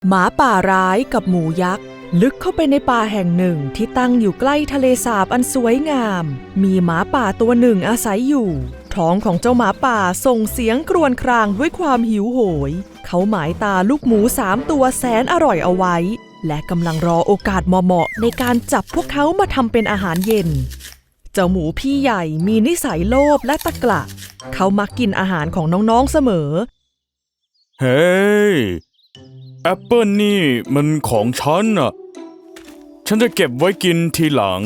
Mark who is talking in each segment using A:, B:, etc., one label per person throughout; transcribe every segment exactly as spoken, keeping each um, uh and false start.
A: หมาป่าร้ายกับหมูยักษ์ลึกเข้าไปในป่าแห่งหนึ่งที่ตั้งอยู่ใกล้ทะเลสาบอันสวยงามมีหมาป่าตัวหนึ่งอาศัยอยู่ท้องของเจ้าหมาป่าส่งเสียงครวญครางด้วยความหิวโหยเขาหมายตาลูกหมูสามตัวแสนอร่อยเอาไว้และกำลังรอโอกาสเหมาะๆในการจับพวกเขามาทำเป็นอาหารเย็นเจ้าหมูพี่ใหญ่มีนิสัยโลภและตะกละเขามักกินอาหารของน้องๆเสมอ
B: เฮ้ยแอปเปิลนี่มันของฉันอ่ะฉันจะเก็บไว้กินทีหลัง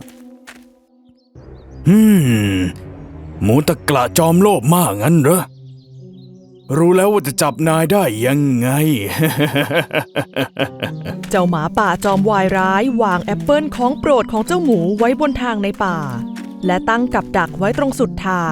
B: อืมหมูตะกละจอมโลภมากงั้นเหรอรู้แล้วว่าจะจับนายได้ยังไง
A: เจ้าหมาป่าจอมวายร้ายวางแอปเปิลของโปรดของเจ้าหมูไว้บนทางในป่าและตั้งกับดักไว้ตรงสุดทาง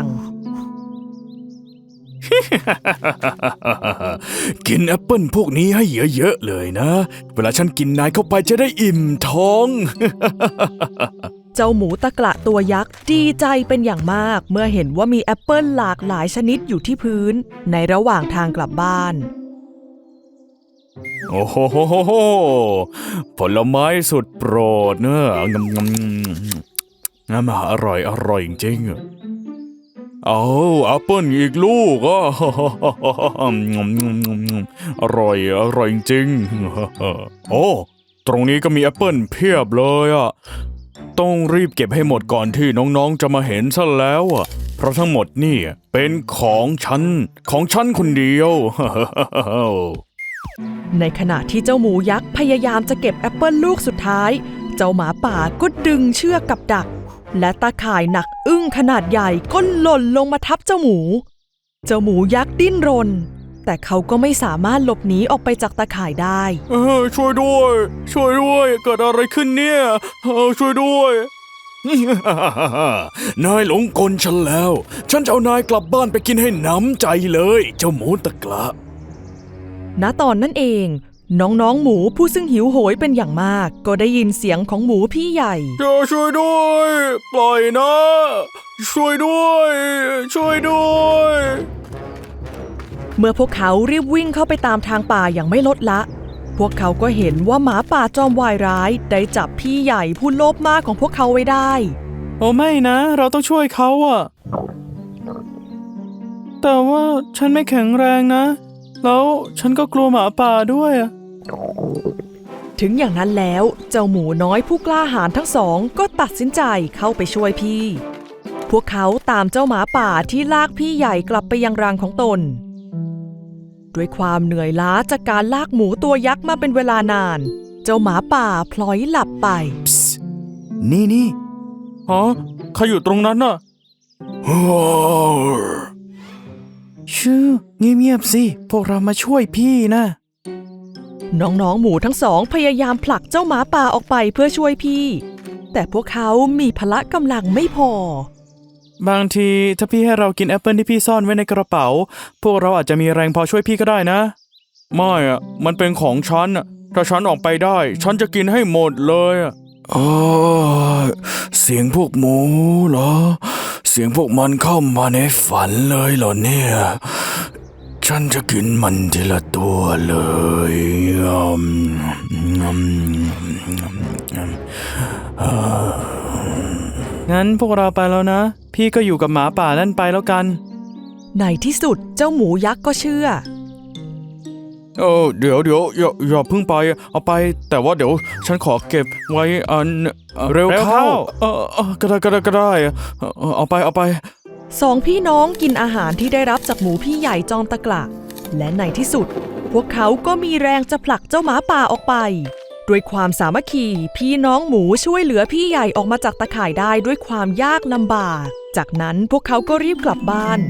B: กินแอปเปิลพวกนี้ให้เยอะๆเลยนะเวลาฉันกินนายเข้าไปจะได้อิ่มท้อง
A: เจ้าหมูตะกละตัวยักษ์ดีใจเป็นอย่างมากเมื่อเห็นว่ามีแอปเปิลหลากหลายชนิดอยู่ที่พื้นในระหว่างทางกลับบ้าน
B: โอ้โหผลไม้สุดโปรดเนอะงำงำงำอร่อยอร่อยจริงๆเอาแอปเปิลอีกลูกอ่ะอร่อยอร่อยจริงโอ้ตรงนี้ก็มีแอปเปิลเพียบเลยอ่ะต้องรีบเก็บให้หมดก่อนที่น้องๆจะมาเห็นซะแล้วอ่ะเพราะทั้งหมดนี่เป็นของฉันของฉันคนเดียว
A: ในขณะที่เจ้าหมูยักษ์พยายามจะเก็บแอปเปิลลูกสุดท้ายเจ้าหมาป่าก็ดึงเชือกกับดักและตาข่ายหนักอึ้งขนาดใหญ่ก็หล่นลงมาทับเจ้าหมูเจ้าหมูยักษ์ดิ้นรนแต่เขาก็ไม่สามารถหลบหนีออกไปจากตาข่ายได้
B: เออช่วยด้วยช่วยด้วยเกิดอะไรขึ้นเนี่ยเออช่วยด้วย นายหลงกลฉันแล้วฉันจะเอานายกลับบ้านไปกินให้หนำใจเลยเจ้าหมูตะกละ
A: ณตอนนั้นเองน้องๆหมูผู้ซึ่งหิวโหยเป็นอย่างมากก็ได้ยินเสียงของหมูพี่ใหญ่
B: ช่วยด้วยปล่อยนะช่วยด้วยช่วยด้วย
A: เมื่อพวกเขารีบวิ่งเข้าไปตามทางป่าอย่างไม่ลดละพวกเขาก็เห็นว่าหมาป่าจอมวายร้ายได้จับพี่ใหญ่ผู้โลภมากของพวกเขาไว้ได้
C: โอ้ไม่นะเราต้องช่วยเขาอะแต่ว่าฉันไม่แข็งแรงนะแล้วฉันก็กลัวหมาป่าด้วย
A: ถึงอย่างนั้นแล้วเจ้าหมูน้อยผู้กล้าหาญทั้งสองก็ตัดสินใจเข้าไปช่วยพี่พวกเขาตามเจ้าหมาป่าที่ลากพี่ใหญ่กลับไปยังรังของตนด้วยความเหนื่อยล้าจากการลากหมูตัวยักษ์มาเป็นเวลานานเจ้าหมาป่าพลอยหลับไป
C: นี่นี่
B: ฮะใครอยู่ตรงนั้นน่ะ
C: ชื่อเงียบๆสิพวกเรามาช่วยพี่นะ
A: น้องๆหมูทั้งสองพยายามผลักเจ้าหมาป่าออกไปเพื่อช่วยพี่แต่พวกเขามีพละกำลังไม่พอบ
C: างทีถ้าพี่ให้เรากินแอปเปิลที่พี่ซ่อนไว้ในกระเป๋าพวกเราอาจจะมีแรงพอช่วยพี่ก็ได้นะ
B: ไม่อ่ะมันเป็นของฉันอ่ะถ้าฉันออกไปได้ฉันจะกินให้หมดเลยอ่ะอ๋อเสียงพวกหมูเหรอเสียงพวกมันเข้ามาในฝันเลยเหรอเนี่ยฉันจะกินมันทีละตัวเลย
C: งั้นพวกเราไปแล้วนะพี่ก็อยู่กับหมาป่านั่นไปแล้วกัน
A: ในที่สุดเจ้าหมูยักษ์ก็เชื่อ
B: เออเดี๋ยวเดี๋ยวอย่าอย่าเพิ่งไปเอาไปแต่ว่าเดี๋ยวฉันขอเก็บไว้อันเร็วเข้าเออก็ได้ก็ได้ก็ได้เอาไปเอาไป
A: สองพี่น้องกินอาหารที่ได้รับจากหมูพี่ใหญ่จอมตะกละและในที่สุดพวกเขาก็มีแรงจะผลักเจ้าหมาป่าออกไปด้วยความสามัคคีพี่น้องหมูช่วยเหลือพี่ใหญ่ออกมาจากตะข่ายได้ด้วยความยากลำบากจากนั้นพวกเขาก็รีบกลับบ้าน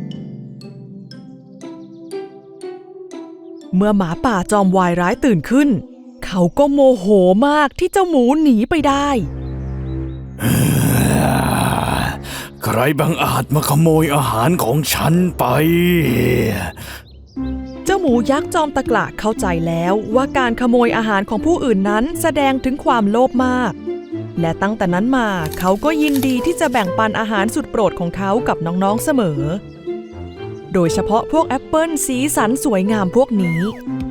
A: เมื่อหมาป่าจอมวายร้ายตื่นขึ้นเขาก็โมโหมากที่เจ้าหมูหนีไปได้
B: ใครบังอาจมาขโมยอาหารของฉันไป
A: เจ้าหมูยักษ์จอมตะกละเข้าใจแล้วว่าการขโมยอาหารของผู้อื่นนั้นแสดงถึงความโลภมากและตั้งแต่นั้นมาเขาก็ยินดีที่จะแบ่งปันอาหารสุดโปรดของเขากับน้องๆเสมอโดยเฉพาะพวกแอปเปิลสีสันสวยงามพวกนี้